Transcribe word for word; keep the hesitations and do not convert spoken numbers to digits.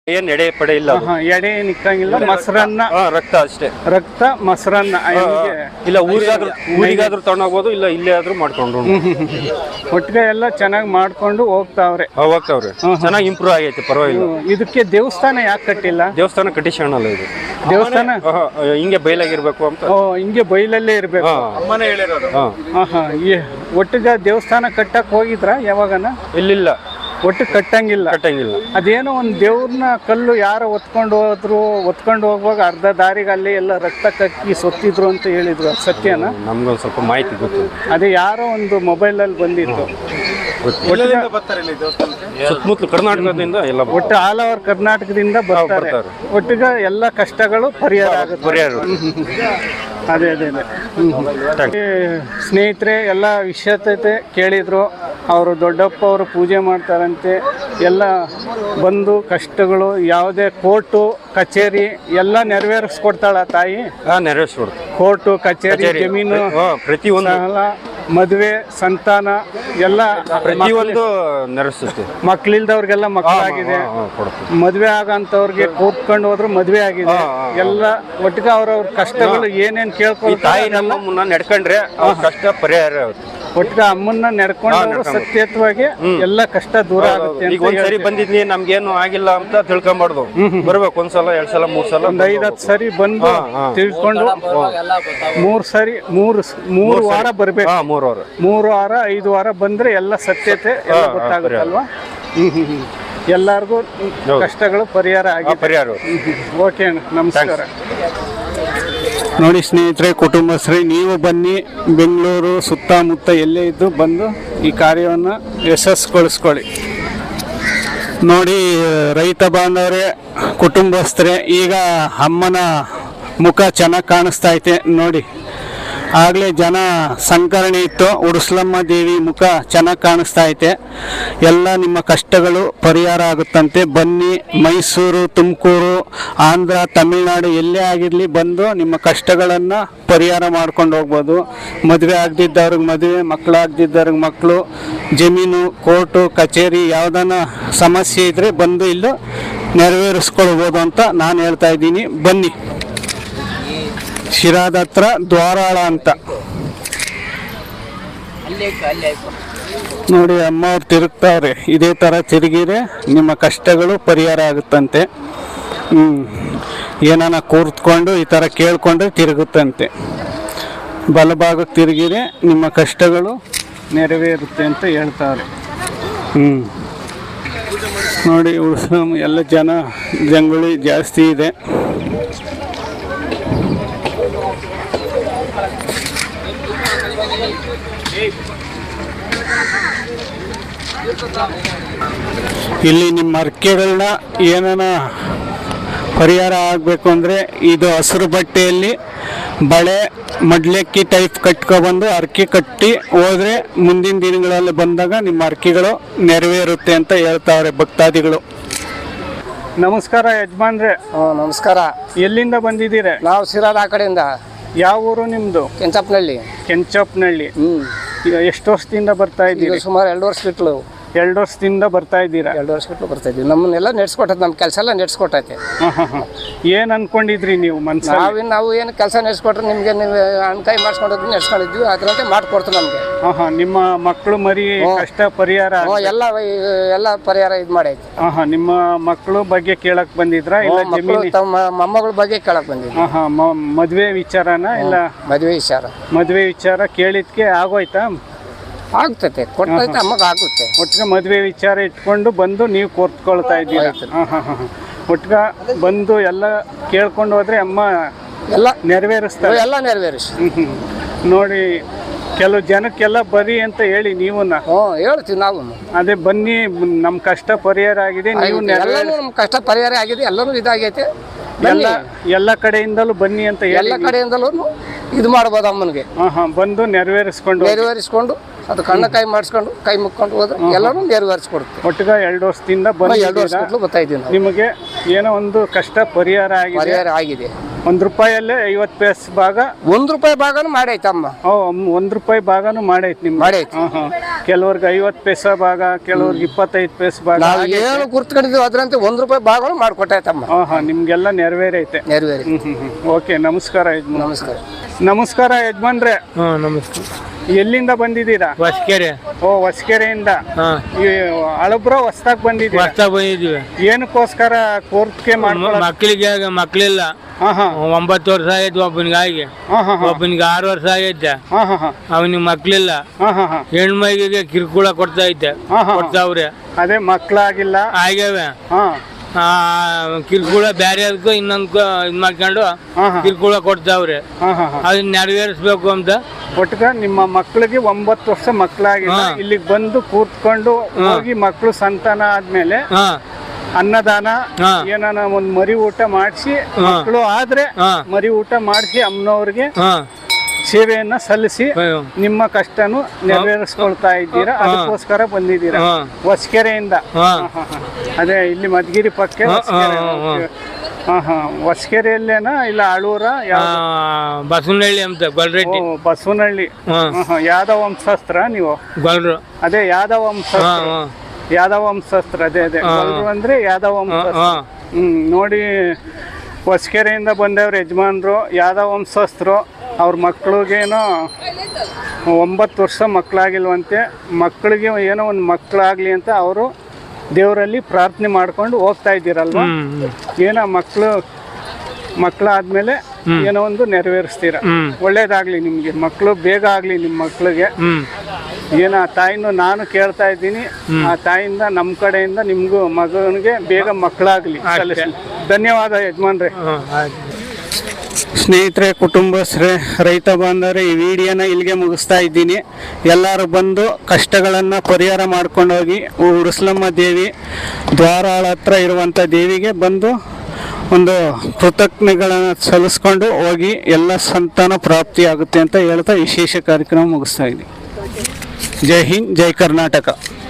ಏನ್ ಎಡೆ ಪಡೆ ಇಲ್ಲ, ಎಡೆ ನಿಕ್ಕಂಗಿಲ್ಲ. ಮೊಸರನ್ನ ರಕ್ತ ಅಷ್ಟೇ, ರಕ್ತ ಮೊಸರನ್ನ. ಇಲ್ಲ ಊರಿಗಾದ್ರೂ ಊರಿಗಾದ್ರೂ ತಗೊಂಡೋಗ್ಬೋದು, ಇಲ್ಲ ಇಲ್ಲೇ ಆದ್ರೂ ಮಾಡ್ಕೊಂಡು ಒಟ್ಟಿಗೆ ಎಲ್ಲ ಚೆನ್ನಾಗಿ ಮಾಡ್ಕೊಂಡು ಹೋಗ್ತಾವ್ರೆ ಹೋಗ್ತಾವ್ರೆ ಚೆನ್ನಾಗಿ ಇಂಪ್ರೂವ್ ಆಗೈತೆ, ಪರವಾಗಿಲ್ಲ. ಇದಕ್ಕೆ ದೇವಸ್ಥಾನ ಯಾಕೆ ಕಟ್ಟಿಲ್ಲ? ದೇವಸ್ಥಾನ ಕಟ್ಟಿಸೋಣಲ್ಲ, ಇದು ದೇವಸ್ಥಾನ ಹಿಂಗೆ ಬಯಲಾಗಿರ್ಬೇಕು ಅಂತ. ಓ, ಹಿಂಗೆ ಬೈಲಲ್ಲೇ ಇರ್ಬೇಕು. ಅಮ್ಮನೇ ಹೇಳಿರೋದು. ಒಟ್ಟಿಗೆ ದೇವಸ್ಥಾನ ಕಟ್ಟಕ್ ಹೋಗಿದ್ರ ಯಾವಾಗನ? ಇಲ್ಲಿಲ್ಲ, ಒಟ್ಟು ಕಟ್ಟಂಗಿಲ್ಲ ಕಟ್ಟಂಗಿಲ್ಲ. ಅದೇನೋ ಒಂದು ದೇವ್ರನ್ನ ಕಲ್ಲು ಯಾರೋ ಒತ್ಕೊಂಡು ಹೋದ್ರು, ಒತ್ಕೊಂಡು ಹೋಗುವಾಗ ಅರ್ಧ ದಾರಿಗೆ ಅಲ್ಲಿ ಎಲ್ಲ ರಕ್ತ ಕಕ್ಕಿ ಸೊತ್ತಿದ್ರು ಅಂತ ಹೇಳಿದ್ರು, ಸತ್ಯನ? ನಮ್ಗೊಂದು ಸ್ವಲ್ಪ ಮಾಹಿತಿ ಗೊತ್ತು. ಅದೇ ಯಾರೋ ಒಂದು ಮೊಬೈಲ್ ಅಲ್ಲಿ ಬಂದಿತ್ತು. ಸುತ್ತಮುತ್ತಲು ಕರ್ನಾಟಕದಿಂದ ಎಲ್ಲ, ಒಟ್ಟು ಆಲ್ ಓವರ್ ಕರ್ನಾಟಕದಿಂದ ಬರ್ತಾರೆ. ಒಟ್ಟಿಗೆ ಎಲ್ಲ ಕಷ್ಟಗಳು ಪರಿಹಾರ ಆಗುತ್ತೆ. ಪರಿಹಾರ ಅದೇ ಅದೇ ಅದೇ ಸ್ನೇಹಿತರೆ ಎಲ್ಲ ವಿಷಯತೆ ಕೇಳಿದ್ರು. ಅವರು ದೊಡ್ಡಪ್ಪ ಅವರು ಪೂಜೆ ಮಾಡ್ತಾರಂತೆ, ಎಲ್ಲ ಬಂದು ಕಷ್ಟಗಳು ಯಾವುದೇ ಕೋರ್ಟು ಕಚೇರಿ ಎಲ್ಲ ನೆರವೇರಿಸ್ಕೊಡ್ತಾಳ ತಾಯಿ. ನೆರವೇರಿಸ್ಕೊಡ್ತಾರೆ. ಕೋರ್ಟು ಕಚೇರಿ, ಜಮೀನು, ಪ್ರತಿಯೊಂದು ಮದುವೆ, ಸಂತಾನ ಎಲ್ಲ ಪ್ರತಿಯೊಂದು ನೆರವೇರಿಸುತ್ತೆ. ಮಕ್ಳಿಲ್ದವ್ರಿಗೆಲ್ಲ ಮಕ್ಕಳಾಗಿದೆ, ಮದುವೆ ಆಗಂತವ್ರಿಗೆ ಕೂತ್ಕೊಂಡು ಹೋದ್ರು ಮದುವೆ ಆಗಿದೆ. ಎಲ್ಲ ಒಟ್ಟಿಗೆ ಅವ್ರವ್ರ ಕಷ್ಟಗಳು ಏನೇನ್ ಕೇಳ್ಕೊಂಡು ತಾಯಿ ನಮ್ಮ ಮುನ್ನ ನಡ್ಕೊಂಡ್ರೆ ಕಷ್ಟ ಪರಿಹಾರ ಆಗುತ್ತೆ. ಒಟ್ಟಿಗೆ ಅಮ್ಮನ್ನ ನಡ್ಕೊಂಡು ಸತ್ಯತ್ವಾಗಿ ಎಲ್ಲ ಕಷ್ಟ ದೂರ ಆಗುತ್ತೆ. ಈಗ ಒಂದ್ಸರಿ ಬಂದಿದ್ನಿ ನಮ್ಗೇನು ಆಗಿಲ್ಲ ಅಂತ ತಿಳ್ಕೊಂಬಾರ್ದು, ಬರ್ಬೇಕು ಒಂದ್ಸಲ ಎರಡ್ ಸಲ ಮೂರ್ ಸಲ ಒಂದ್ ಐದತ್ತು ಸರಿ ಬಂದು ತಿಳ್ಕೊಂಡು ಮೂರ್ ಸರಿ ಮೂರು ಮೂರು ವಾರ ಬರ್ಬೇಕು. ಮೂರು ವಾರ ಮೂರು ವಾರ ಐದು ವಾರ ಬಂದ್ರೆ ಎಲ್ಲ ಸತ್ಯತೆ ಎಲ್ಲ ಗೊತ್ತಾಗುತ್ತಲ್ವಾ? ಹ್ಮ್ ಹ್ಮ್ ಹ್ಮ್ ಎಲ್ಲಾರ್ಗು ಕಷ್ಟಗಳು ಪರಿಹಾರ ಆಗಿ ಪರಿಹಾರ. ಓಕೆ, ನಮಸ್ಕಾರ. ನೋಡಿ ಸ್ನೇಹಿತರೆ, ಕುಟುಂಬಸ್ಥರೇ ನೀವು ಬನ್ನಿ, ಬೆಂಗಳೂರು ಸುತ್ತಮುತ್ತ ಎಲ್ಲೇ ಇದ್ದು ಬಂದು ಈ ಕಾರ್ಯವನ್ನು ಯಶಸ್ಸುಗೊಳಿಸ್ಕೊಳ್ಳಿ. ನೋಡಿ ರೈತ ಬಾಂಧವರೇ, ಕುಟುಂಬಸ್ಥರೇ, ಈಗ ಅಮ್ಮನ ಮುಖ ಚೆನ್ನಾಗಿ ಕಾಣಿಸ್ತಾ ಐತೆ ನೋಡಿ. ಆಗಲೇ ಜನ ಸಂಕರಣೆ ಇತ್ತು, ಉಡುಸ್ಲಮ್ಮ ದೇವಿ ಮುಖ ಚೆನ್ನಾಗಿ ಕಾಣಿಸ್ತಾ ಐತೆ. ಎಲ್ಲ ನಿಮ್ಮ ಕಷ್ಟಗಳು ಪರಿಹಾರ ಆಗುತ್ತಂತೆ. ಬನ್ನಿ, ಮೈಸೂರು, ತುಮಕೂರು, ಆಂಧ್ರ, ತಮಿಳುನಾಡು ಎಲ್ಲೇ ಆಗಿರಲಿ ಬಂದು ನಿಮ್ಮ ಕಷ್ಟಗಳನ್ನು ಪರಿಹಾರ ಮಾಡ್ಕೊಂಡು ಹೋಗ್ಬೋದು. ಮದುವೆ ಆಗದಿದ್ದವ್ರಿಗೆ ಮದುವೆ, ಮಕ್ಕಳಾಗದಿದ್ದವ್ರಿಗೆ ಮಕ್ಕಳು, ಜಮೀನು, ಕೋರ್ಟು ಕಚೇರಿ ಯಾವುದನ್ನ ಸಮಸ್ಯೆ ಇದ್ದರೆ ಬಂದು ಇಲ್ಲೂ ನೆರವೇರಿಸ್ಕೊಳ್ಬೋದು ಅಂತ ನಾನು ಹೇಳ್ತಾ ಇದ್ದೀನಿ. ಬನ್ನಿ. ಶಿರಾದ ಹತ್ರ ದ್ವಾರಾಳ ಅಂತ ನೋಡಿ, ಅಮ್ಮ ಅವ್ರು ತಿರುಗ್ತಾವ್ರೆ. ಇದೇ ಥರ ತಿರುಗಿರೆ ನಿಮ್ಮ ಕಷ್ಟಗಳು ಪರಿಹಾರ ಆಗುತ್ತಂತೆ. ಹ್ಞೂ ಏನಾನ ಕೂರ್ತ್ಕೊಂಡು ಈ ಥರ ಕೇಳ್ಕೊಂಡ್ರೆ ತಿರುಗುತ್ತಂತೆ. ಬಲಭಾಗಕ್ಕೆ ತಿರುಗಿರೆ ನಿಮ್ಮ ಕಷ್ಟಗಳು ನೆರವೇರುತ್ತೆ ಅಂತ ಹೇಳ್ತಾವ್ರೆ. ಹ್ಞೂ ನೋಡಿ, ಉಳ್ಸಮ್ ಎಲ್ಲ ಜನ ಜಂಗುಳಿ ಜಾಸ್ತಿ ಇದೆ. ಇಲ್ಲಿ ನಿಮ್ಮ ಅರ್ಕೆಗಳನ್ನ ಏನಾನ ಪರಿಹಾರ ಆಗಬೇಕು ಅಂದರೆ ಇದು ಹಸಿರು ಬಟ್ಟೆಯಲ್ಲಿ ಬಳೆ ಮಡ್ಲಕ್ಕಿ ಟೈಪ್ ಕಟ್ಕೊಬಂದು ಅರ್ಕೆ ಕಟ್ಟಿ ಹೋದರೆ ಮುಂದಿನ ದಿನಗಳಲ್ಲಿ ಬಂದಾಗ ನಿಮ್ಮ ಅರ್ಕೆಗಳು ನೆರವೇರುತ್ತೆ ಅಂತ ಹೇಳ್ತಾವ್ರೆ ಭಕ್ತಾದಿಗಳು. ನಮಸ್ಕಾರ ಯಜಮಾನ್ರೆ. ನಮಸ್ಕಾರ. ಎಲ್ಲಿಂದ ಬಂದಿದ್ದೀರಾ? ನಾವು ಸಿರಾದ ಆ ಕಡೆಯಿಂದ. ಯಾವ ಊರು ನಿಮ್ಮದು? ಕೆಂಚಪ್ಪನಹಳ್ಳಿ. ಕೆಂಚಪ್ಪನಹಳ್ಳಿ. ಹ್ಞೂ ಎಷ್ಟು ವರ್ಷದಿಂದ ಬರ್ತಾ ಇದ್ದೀರಿ? ಸುಮಾರು ಎರಡು ವರ್ಷ ಬಿಟ್ಲು. ಎರಡು ವರ್ಷದಿಂದ ಬರ್ತಾ ಇದ್ದೀರಾ? ಎರಡು ವರ್ಷ ಬಿಟ್ಟು ಬರ್ತಾ ಇದ್ದೀವಿ. ನಮ್ಮನ್ನೆಲ್ಲ ನಡೆಸ್ಕೊಟ್ಟೈತೆ, ನಮ್ಮ ಕೆಲಸ ಎಲ್ಲ ನಡೆಸ್ಕೊಟ್ಟೈತೆ. ಹಾಂ ಹಾಂ ಹಾಂ ಏನು ಅನ್ಕೊಂಡಿದ್ರಿ ನೀವು ಮನ್ಸಲ್ಲಿ? ನಾವು ನಾವು ಏನು ಕೆಲಸ ನಡೆಸ್ಕೊಟ್ರೆ ನಿಮಗೆ ನೀವು ಅಣ್ಕಾಯಿ ಮಾಡಿಸ್ಕೊಂಡಿದ್ವಿ, ನಡೆಸ್ಕೊಂಡಿದ್ವಿ, ಅದರಂತೆ ಮಾಡಿಕೊಡ್ತು ನಮಗೆ. ಹಾಂ ಹಾಂ ನಿಮ್ಮ ಮಕ್ಕಳು ಮರಿ ಕಷ್ಟ ಪರಿಹಾರ ಎಲ್ಲ ಎಲ್ಲ ಪರಿಹಾರ ಇದು ಮಾಡೈತೆ. ಹಾಂ ಹಾಂ ನಿಮ್ಮ ಮಕ್ಕಳು ಬಗ್ಗೆ ಕೇಳಕ್ ಬಂದಿದ್ರಾ? ಇಲ್ಲ ಜಮೀನು ತಮ್ಮ ಮೊಮ್ಮಗಳ ಬಗ್ಗೆ ಕೇಳಕ್ ಬಂದಿದ್ವಿ. ಹಾಂ ಹಾಂ ಮದುವೆ ವಿಚಾರನ? ಇಲ್ಲ ಮದುವೆ ವಿಚಾರ. ಮದುವೆ ವಿಚಾರ ಕೇಳಿದ್ಕೆ ಆಗೋಯ್ತಾ? ಆಗ್ತೈತೆ, ಕೊಡ್ತೈತೆ, ಅಮ್ಮಗೆ ಆಗುತ್ತೆ. ಒಟ್ಟಿಗೆ ಮದುವೆ ವಿಚಾರ ಇಟ್ಕೊಂಡು ಬಂದು ನೀವು ಕೋರ್ತ್ಕೊಳ್ತಾ ಇದ್ದೀರಾ? ಹಾಂ ಹಾಂ ಹಾಂ ಒಟ್ಟಿಗೆ ಬಂದು ಎಲ್ಲ ಕೇಳ್ಕೊಂಡು ಹೋದ್ರೆ ಅಮ್ಮ ಎಲ್ಲ ನೆರವೇರಿಸ್ತಾರೆ? ಎಲ್ಲ ನೆರವೇರಿಸಿ. ಹ್ಞೂ ನೋಡಿ, ಕೆಲವು ಜನಕ್ಕೆಲ್ಲ ಬರಿ ಅಂತ ಹೇಳಿ ನೀವು. ಹ್ಞೂ ಹೇಳ್ತೀವಿ ನಾವು. ಅದೇ ಬನ್ನಿ, ನಮ್ಮ ಕಷ್ಟ ಪರಿಹಾರ ಆಗಿದೆ, ನೀವು ನಮ್ಮ ಕಷ್ಟ ಪರಿಹಾರ ಆಗಿದೆ, ಎಲ್ಲನೂ ಇದಾಗೈತೆ. ಎಲ್ಲ ಎಲ್ಲ ಕಡೆಯಿಂದಲೂ ಬನ್ನಿ ಅಂತ ಹೇಳಿ ಎಲ್ಲ ಕಡೆಯಿಂದಲೂ ಇದು ಮಾಡ್ಬೋದು ಅಮ್ಮನಿಗೆ. ಹಾಂ ಹಾಂ ಬಂದು ನೆರವೇರಿಸ್ಕೊಂಡು ನೆರವೇರಿಸ್ಕೊಂಡು ಅದು ಕಣ್ಣ ಕೈ ಮಾಡಿಸ್ಕೊಂಡು ಕೈ ಮುಕ್ಕೊಂಡು ಹೋದ್ರೆ ಎಲ್ಲರೂ ನೆರವೇರಿಸ್ಕೊಡ್ತೀವಿ. ಒಟ್ಟಿಗೆ ಎರಡು ವರ್ಷದಿಂದ ಬಂದು ಎರಡು ವರ್ಷ ಬರ್ತಾ ಇದ್ದೀವಿ. ನಿಮಗೆ ಏನೋ ಒಂದು ಕಷ್ಟ ಪರಿಹಾರ ಆಗಿದೆ? ಪರಿಹಾರ ಆಗಿದೆ. ಒಂದು ರೂಪಾಯಲ್ಲೇ ಐವತ್ತು ಪೈಸೆ ಭಾಗ ಒಂದು ರೂಪಾಯಿ ಭಾಗನೂ ಮಾಡೈತಮ್ಮ. ಓ ಒಂದು ರೂಪಾಯಿ ಭಾಗನೂ ಮಾಡೈತಿ ನಿಮ್ಗೆ. ಮಾಡೈತಿ. ಹಾಂ ಹಾಂ ಕೆಲವ್ರಿಗೆ ಐವತ್ತು ಪೈಸೆ ಭಾಗ, ಕೆಲವ್ರಿಗೆ ಇಪ್ಪತ್ತೈದು ಪೈಸೆ ಭಾಗ. ನಾವು ಏನು ಗುರ್ತ್ಕೊಂಡಿದ್ದೀವಿ ಅದ್ರಂತೆ ಒಂದು ರೂಪಾಯಿ ಭಾಗನೂ ಮಾಡಿಕೊಟ್ಟಾಯ್ತಮ್ಮ. ಹಾಂ ಹಾಂ ನಿಮಗೆಲ್ಲ ನೆರವೇರೈತೆ. ನೆರವೇರಿ. ಹ್ಞೂ ಹ್ಞೂ ಹ್ಞೂ ಓಕೆ ನಮಸ್ಕಾರ ಯಜಮಾನ್. ನಮಸ್ಕಾರ. ನಮಸ್ಕಾರ ಯಜಮಾನ್ರೆ. ಹಾಂ ನಮಸ್ಕಾರ. ಎಲ್ಲಿಂದ ಬಂದಿದ್ದೀರಾ? ಹೊಸಕೆರೆ. ಓ ಹೊಸಕೆರೆಯಿಂದ. ಹಾಂ ಈ ಹಳಬ್ರ ಹೊಸ್ದಾಗ್ ಬಂದಿದ್ದೀರಾ? ಹೊಸ್ದಾಗ್ ಬಂದಿದ್ದೀವಿ. ಏನಕ್ಕೋಸ್ಕರ ಕೋರ್ಟ್ಗೆ ಮಾಡ್ಕೊಳ್ಳೋದು? ಮಕ್ಕಳಿಗೆ ಮಕ್ಕಳಿಲ್ಲ. ಹಾಂ ಹಾಂ ಒಂಬತ್ತು ವರ್ಷ ಆಗೈತೆ ಒಬ್ಬನಿಗೆ ಆಗಿ, ಹಾಂ ಹಾಂ ಒಬ್ಬನಿಗೆ ಆರು ವರ್ಷ ಆಗೈತೆ. ಹಾಂ ಹಾಂ ಹಾಂ ಅವನಿಗೆ ಮಕ್ಕಳಿಲ್ಲ. ಹಾಂ ಹಾಂ ಹಾಂ ಹೆಣ್ಮೈಗೆ ಕಿರ್ಕುಳ ಕೊಡ್ತಾ ಐತೆ. ಹಾಂ ಹಾಂ ಕೊಡ್ತಾವ್ರೆ. ಅದೇ ಮಕ್ಕಳಾಗಿಲ್ಲ. ಆಗ್ಯಾವೆ. ಹಾಂ ಆ ಕಿರ್ಕುಳ ಬ್ಯಾರೆ ಅದಕ್ಕೂ ಇನ್ನೊಂದು ಇದ್ ಮಾಡ್ಕೊಂಡು ಹಾಂ ಹಾಂ ಕಿರ್ಕುಳ ಕೊಡ್ತಾವ್ರೆ. ಹಾಂ ಹಾಂ ಹಾಂ ಅದನ್ನ ನೆರವೇರಿಸ್ಬೇಕು ಅಂತ. ಒಟ್ಟಿಗೆ ನಿಮ್ಮ ಮಕ್ಕಳಿಗೆ ಒಂಬತ್ತು ವರ್ಷ ಮಕ್ಕಳಾಗಿಲ್ಲ, ಹಾ. ಇಲ್ಲಿಗೆ ಬಂದು ಕೂತ್ಕೊಂಡು ಹೋಗಿ ಮಕ್ಕಳು ಸಂತಾನ ಆದ್ಮೇಲೆ ಹಾ ಅನ್ನದಾನ ಹಾ. ಏನಾನ ಒಂದ್ ಮರಿ ಊಟ ಮಾಡಿಸಿ, ಹಾ. ಮಕ್ಕಳು ಆದ್ರೆ ಹಾ. ಮರಿ ಊಟ ಮಾಡಿಸಿ ಅಮ್ಮನವ್ರಿಗೆ ಹಾ ಸೇವೆಯನ್ನ ಸಲ್ಲಿಸಿ ಹ್ಮ್. ನಿಮ್ಮ ಕಷ್ಟನು ನೆರವೇರಿಸ್ಕೊಳ್ತಾ ಇದ್ದೀರಾ. ಹಾ. ಅದಕ್ಕೋಸ್ಕರ ಬಂದಿದ್ದೀರಾ ಹಾ. ಹೊಸಕೆರೆಯಿಂದ. ಹಾ. ಹಾ, ಹಾ. ಅದೇ ಇಲ್ಲಿ ಮಧುಗಿರಿ ಪಕ್ಕ ಹಾ, ಹೊಸಕೆರೆ. ಹಾ, ಹಾ. ಓಕೆ. ಹಾ ಹಾ ಹೊಸಕೆರೆಯಲ್ಲೇನಾ ಇಲ್ಲ ಆಳೂರ? ಆ, ಬಸವನಹಳ್ಳಿ ಅಂತ ಗೊಲ್ರೆಡ್ಡಿ. ಓ, ಬಸವನಹಳ್ಳಿ. ಹಾ. ಹಾ, ಹಾ. ಯಾದವ ವಂಶಸ್ತ್ರ ನೀವು? ಗೊಲ್ರು. ಅದೇ ಯಾದವ ಹಾ ವಂಶಸ್ತ್ರ. ಹಾ ಯಾದವ ವಂಶಸ್ತ್ರ ಅದೇ ಅದೇ ಹಾ. ಗೊಲ್ರು ಅಂದ್ರೆ ಯಾದವ ಹಾ ವಂಶಸ್ತ್ರ. ಹಾ ಹ್ಮ್ ನೋಡಿ ಹೊಸಕೆರೆಯಿಂದ ಬಂದವ್ರು ಯಜಮಾನ್ರು, ಯಾದವ ವಂಶಸ್ಥರು. ಅವ್ರ ಮಕ್ಳಿಗೇನೋ ಒಂಬತ್ತು ವರ್ಷ ಮಕ್ಕಳಾಗಿಲ್ವಂತೆ. ಮಕ್ಕಳಿಗೆ ಏನೋ ಒಂದು ಮಕ್ಕಳಾಗ್ಲಿ ಅಂತ ಅವರು ದೇವರಲ್ಲಿ ಪ್ರಾರ್ಥನೆ ಮಾಡ್ಕೊಂಡು ಹೋಗ್ತಾ ಇದ್ದೀರಲ್ವಾ? ಹ್ಮ್ ಏನೋ ಮಕ್ಕಳು ಮಕ್ಕಳಾದ್ಮೇಲೆ ಏನೋ ಒಂದು ನೆರವೇರಿಸ್ತೀರ. ಹ್ಮ್. ಒಳ್ಳೇದಾಗ್ಲಿ ನಿಮ್ಗೆ, ಮಕ್ಕಳು ಬೇಗ ಆಗ್ಲಿ ನಿಮ್ಮ ಮಕ್ಕಳಿಗೆ. ಹ್ಮ್ ಏನ ಆ ತಾಯಿನೂ ನಾನು ಕೇಳ್ತಾ ಇದ್ದೀನಿ, ಆ ತಾಯಿಯಿಂದ ನಮ್ಮ ಕಡೆಯಿಂದ ನಿಮ್ಗೂ ಮಗನಿಗೆ ಬೇಗ ಮಕ್ಕಳಾಗ್ಲಿ. ಸಲ್ಲಿಸ್ಲಿ. ಧನ್ಯವಾದ ಯಜಮಾನ್ರೆ. ಹಾ ಆಯ್ತು. ಸ್ನೇಹಿತರೆ, ಕುಟುಂಬಸ್ಥರೇ, ರೈತ ಬಾಂಧವರೇ, ಈ ವಿಡಿಯೋನ ಇಲ್ಲಿಗೆ ಮುಗಿಸ್ತಾ ಇದ್ದೀನಿ. ಎಲ್ಲರೂ ಬಂದು ಕಷ್ಟಗಳನ್ನು ಪರಿಹಾರ ಮಾಡ್ಕೊಂಡು ಹೋಗಿ ಉರುಸ್ಲಮ್ಮ ದೇವಿ ದ್ವಾರಾಳ ಹತ್ರ ಇರುವಂಥ ದೇವಿಗೆ ಬಂದು ಒಂದು ಕೃತಜ್ಞತೆಗಳನ್ನು ಸಲ್ಲಿಸ್ಕೊಂಡು ಹೋಗಿ ಎಲ್ಲ ಸಂತಾನ ಪ್ರಾಪ್ತಿಯಾಗುತ್ತೆ ಅಂತ ಹೇಳ್ತಾ ವಿಶೇಷ ಕಾರ್ಯಕ್ರಮ ಮುಗಿಸ್ತಾ ಇದ್ದೀನಿ. ಜೈ ಹಿಂದ್, ಜೈ ಕರ್ನಾಟಕ.